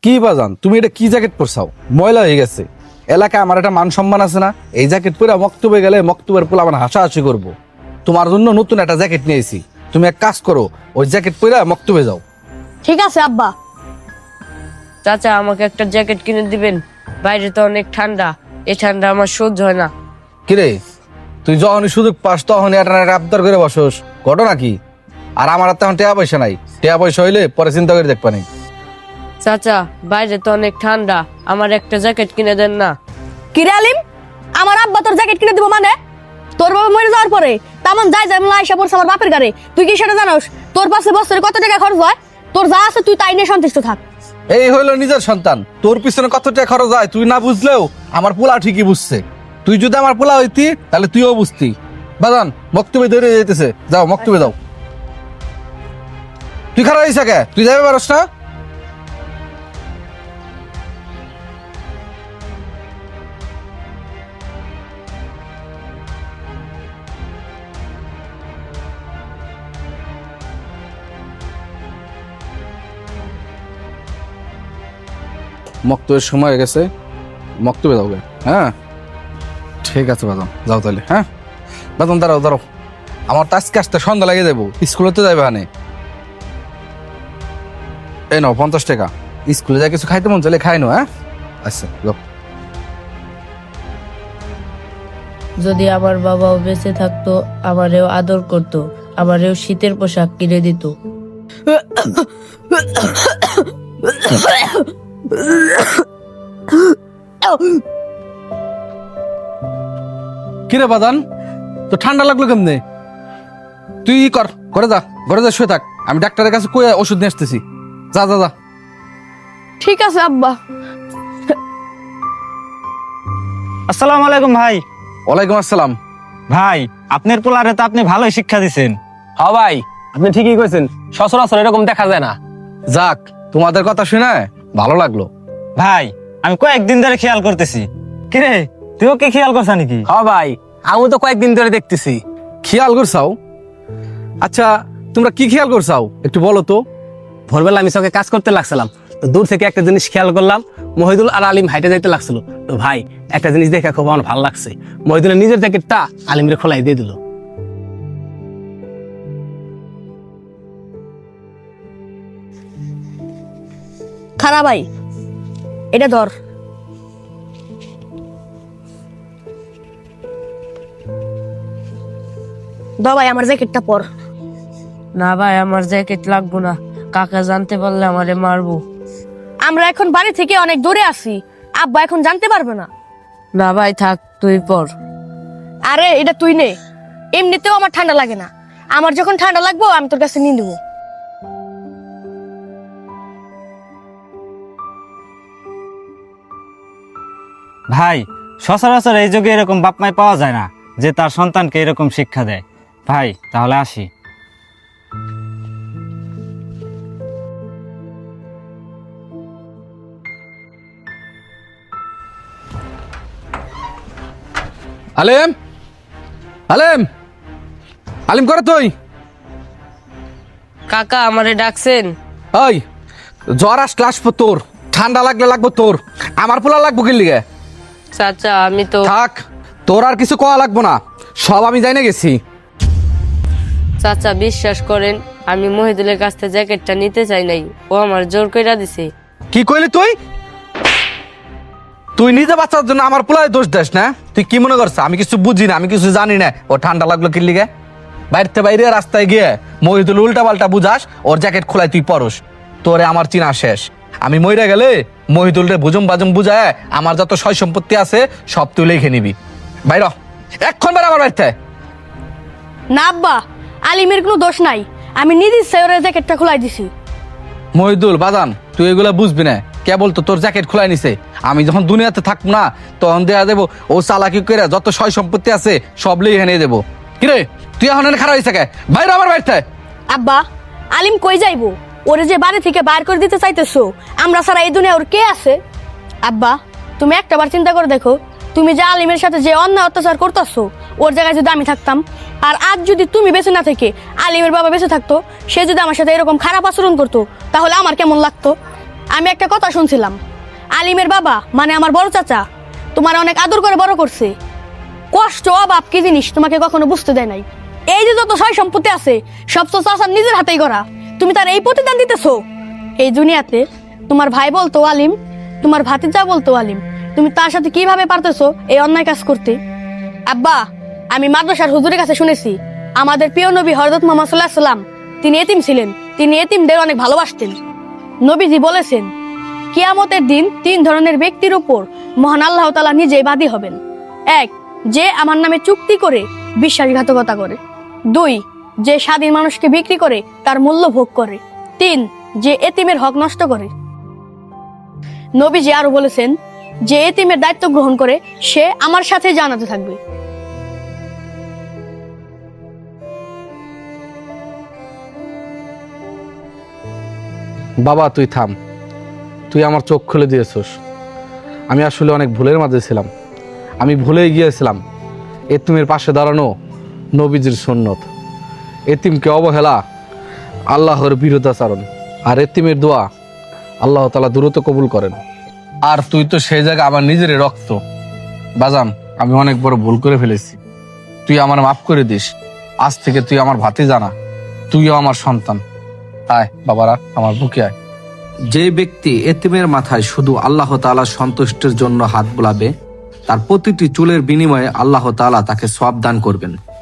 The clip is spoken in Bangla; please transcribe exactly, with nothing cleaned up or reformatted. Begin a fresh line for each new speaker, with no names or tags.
কি বাজান তুমি এটা কি জ্যাকেট পরছাও? ময়লা হয়ে গেছে। এলাকায় আমার একটা মান সম্মান আছে না? এই জ্যাকেট পরে মক্তবে গেলে মক্তবের পোলা আমার হাসাহাসি করবো। তোমার জন্য নতুন একটা জ্যাকেট নিয়েছি, তুমি এক কাজ করো, ওই জ্যাকেট পরে মক্তবে যাও।
ঠিক আছে আব্বা।
চাচা আমাকে একটা জ্যাকেট কিনে দিবেন, বাইরে তো অনেক ঠান্ডা, এই ঠান্ডা আমার সহ্য হয় না।
কিরে তুই যখনই সুযোগ পাস তখনই একটা আবদার করে বসোস, ঘটনা কি? আর আমার আর তেমন টেয়া পয়সা নাই, টেয়া পয়সা হইলে পরে চিন্তা করে দেখবা নি।
চাচা বাইরে তো অনেক ঠান্ডা, আমার একটা জ্যাকেট কিনে দেন না।
কিরে আলিম, আমার আব্বা তোর জ্যাকেট কিনে দিব মানে? তোর বাবা মরে যাওয়ার পরে তেমন যাই যাই আইসা পড়ছে আমার বাপের গাড়ি, তুই কি সেটা জানোস? তোর পাশে বছরে কত টাকা খরচ হয়? তোর যা আছে তুই তাই নিয়ে সন্তুষ্ট থাক।
এই হইলো নিজের সন্তান, তোর পিছনে কত টাকা খরচ হয় তুই না বুঝলেও আমার পোলা ঠিকই বুঝছে। তুই যদি আমার পোলা হইতি তাহলে তুইও বুঝতি। বাজান মক্তবে ধরে যেতেছে, যাও মক্তবে যাও। তুই খারাপ হয়েছে কে? তুই যাবে পারস না? মক্তবের সময় হয়ে গেছে, মক্তবে যাও গে। হ্যাঁ ঠিক আছে বাদাম, যাও তাহলে। হ্যাঁ বাদাম দাঁড়াও দাঁড়াও, আমার তো আজকে আসতে সন্ধ্যা লাগিয়ে দেবো, স্কুলে তো যাবে হানে। এই নাও পঞ্চাশ টাকা, স্কুলে যা কিছু খাইতে মন চাইলে খাই নো। হ্যাঁ আচ্ছা যাও।
যদি আমার বাবাও বেঁচে থাকতো, আমারেও আদর করতো, আমারেও শীতের পোশাক কিনে দিত।
কিরে বাদান, তো ঠান্ডা লাগলো কেমনে? তুই ই কর, ঘরে যা, ঘরে যা শুয়ে থাক, আমি ডাক্তারের কাছে কয়ে ওষুধ নিয়ে আসতেছি। যা যা যা।
ঠিক আছে আব্বা।
আসসালামু আলাইকুম ভাই।
ওয়ালাইকুম আসসালাম।
ভাই আপনার পোলারে তো আপনি ভালোই শিক্ষা দিছেন।
হ্যাঁ ভাই, আপনি ঠিকই কইছেন, সচরাচর এরকম দেখা যায় না।
যাক, তোমাদের কথা শুনে ভালো লাগলো।
ভাই আমি কয়েকদিন ধরে খেয়াল করতেছি। কিরে তুইও কি খেয়াল করছ নাকি?
হ্যাঁ ভাই, আমি তো কয়েকদিন ধরে দেখতেছি।
খেয়াল করছাও? আচ্ছা তোমরা কি খেয়াল করছাও একটু বলো তো।
ভোরবেলা আমি সঙ্গে কাজ করতে লাগছিলাম, তো দূর থেকে একটা জিনিস খেয়াল করলাম, মহিদুল আর আলিম হাইটে যাইতে লাগছিল। তো ভাই একটা জিনিস দেখে খুব আমার ভালো লাগছে, মহিদুলের নিজের জ্যাকেটটা আলিমের খোলাই দিয়ে দিল।
খারাপ ভাই, এটা ধর। দ ভাই আমার জ্যাকেটটা পর।
না ভাই আমার জ্যাকেট লাগবো না, কাকা জানতে পারলে আমারে মারবো।
আমরা এখন বাড়ি থেকে অনেক দূরে আছি, আব্বা এখন জানতে পারবে না।
না ভাই থাক, তুই পর।
আরে এটা তুই নে, এমনিতেও আমার ঠান্ডা লাগে না, আমার যখন ঠান্ডা লাগবো আমি তোর কাছে নিয়ে নেবো।
ভাই সচরাচর এই যুগে এরকম বাপ মাই পাওয়া যায় না যে তার সন্তানকে এরকম শিক্ষা দেয়। ভাই তাহলে আসি।
আলেম, আলেম, আলিম করে তুই।
কাকা আমারে ডাকছেন?
ওই জ্বর আসলে আসবো তোর, ঠান্ডা লাগলে লাগবো তোর, আমার পোলা লাগবো কি লিগে?
চাচা আমি তো
থাক, তোর আর কিছু কওয়া লাগবো না, সব আমি জানি গেছি।
চাচা বিশ্বাস করেন, আমি মহিদুলের কাছ থেকে জ্যাকেটটা নিতে চাই নাই, ও আমার জোর কইরা দিছে।
কি কইলি তুই? তুই নিজে বাচ্চার জন্য আমার পোলায় দোষ দেস না? তুই কি মনে করছ আমি কিছু বুঝি না, আমি কিছু জানি না? ও ঠান্ডা লাগলো কি লিগে? বাইরে বাইরে রাস্তায় গিয়ে মহিদুল উল্টা পাল্টা বুঝাস, ওর জ্যাকেট খোলাই তুই পরস, তোরে আমার চিনা শেষ। আমি মইরা গেলে মহিদুল রে বুজুম বাজুম বুঝায় আমার যত সয় সম্পত্তি আছে সব তুই লিখে নিবি। বাইর এক্ষণ বের আমার বাড়িতে।
না আব্বা, আলিমের কোনো দোষ নাই, আমি নিজে ইচ্ছায় ওর জ্যাকেটটা খোলাই দিছি।
মহিদুল বাদান তুই এগুলা বুঝবি না, কেবল তো তোর জ্যাকেট খোলাই নিছে। আমি যখন দুনিয়াতে থাকবো না তখন দেয়া দেবো ও চালাকি করে যত সয় সম্পত্তি আছে সব লিখে নিয়ে দেবো। কিরে তুই এখন এনে খারাপ হয়েছে কে? বাইরে আমার বাড়িতে।
আব্বা আলিম কই যাইবো? ওরে যে বাড়ি থেকে বাইর করে দিতে চাইতেছো, আমরা ছাড়া এই দুনিয়া ওর কে আছে? আব্বা তুমি একটা বার চিন্তা করে দেখো, তুমি যে আলিমের সাথে যে অন্যায় অত্যাচার করতেছো, ওর জায়গায় যদি আমি থাকতাম, আর আজ যদি তুমি বেঁচে না থেকে আলিমের বাবা বেঁচে থাকতো, সে যদি আমার সাথে এরকম খারাপ আচরণ করতো, তাহলে আমার কেমন লাগতো? আমি একটা কথা শুনছিলাম, আলিমের বাবা মানে আমার বড় চাচা তোমার অনেক আদর করে বড় করছে। কষ্ট অভাব কি জিনিস তোমাকে কখনো বুঝতে দেয় নাই। এই যে যত সয় সম্পত্তি আছে সব তো চাচার নিজের হাতেই করা, তুমি তার এই প্রতিদান দিতেছো। এই দুনিয়াতে তোমার ভাই বলতো আলিম, তোমার ভাতিজা বলতো আলিম, তুমি তার সাথে কিভাবে পারতেছো এই অন্যায় কাজ করতে? আব্বা, আমি মাদ্রাসার হুজুরের কাছে শুনেছি আমাদের প্রিয় নবী হযরত মুহাম্মদ সাল্লাল্লাহু আলাইহি সাল্লাম তিনি এতিম ছিলেন, তিনি এতিমদের অনেক ভালোবাসতেন। নবীজি বলেছেন কিয়ামতের দিন তিন ধরনের ব্যক্তির উপর মহান আল্লাহ তাআলা নিজেই বাদী হবেন। এক, যে আমার নামে চুক্তি করে বিশ্বাসঘাতকতা করে। দুই, যে স্বাধীন মানুষকে বিক্রি করে তার মূল্য ভোগ করে। তিন, যে এতিমের হক নষ্ট করে। নবীজি আরো বলেছেন যে এতিমের দায়িত্ব গ্রহণ করে সে আমার সাথে জান্নাতে থাকবে।
বাবা তুই থাম, তুই আমার চোখ খুলে দিয়েছিস। আমি আসলে অনেক ভুলের মাঝে ছিলাম, আমি ভুলেই গিয়েছিলাম এতিমের পাশে দাঁড়ানো নবীজির সুন্নত। এতিমকে অবহেলা আল্লাহর বিরোধাচরণ, আর এতিমের দোয়া আল্লাহ তাআলা দ্রুত কবুল করেন। আর তুই তো সেই জায়গায় আমার নিজের রক্ত। বাজান, আমি অনেক বড় ভুল করে ফেলেছি, তুই আমার মাফ করে দিস। আজ থেকে তুই আমার ভাতিজা না, তুইও আমার সন্তান। আয় বাবারা, আমার বুকে আয়। যে ব্যক্তি এতিমের মাথায় শুধু আল্লাহ তাআলার সন্তুষ্টির জন্য হাত বুলাবে, তার প্রতিটি চুলের বিনিময়ে আল্লাহ তাআলা তাকে সওয়াব দান করবেন।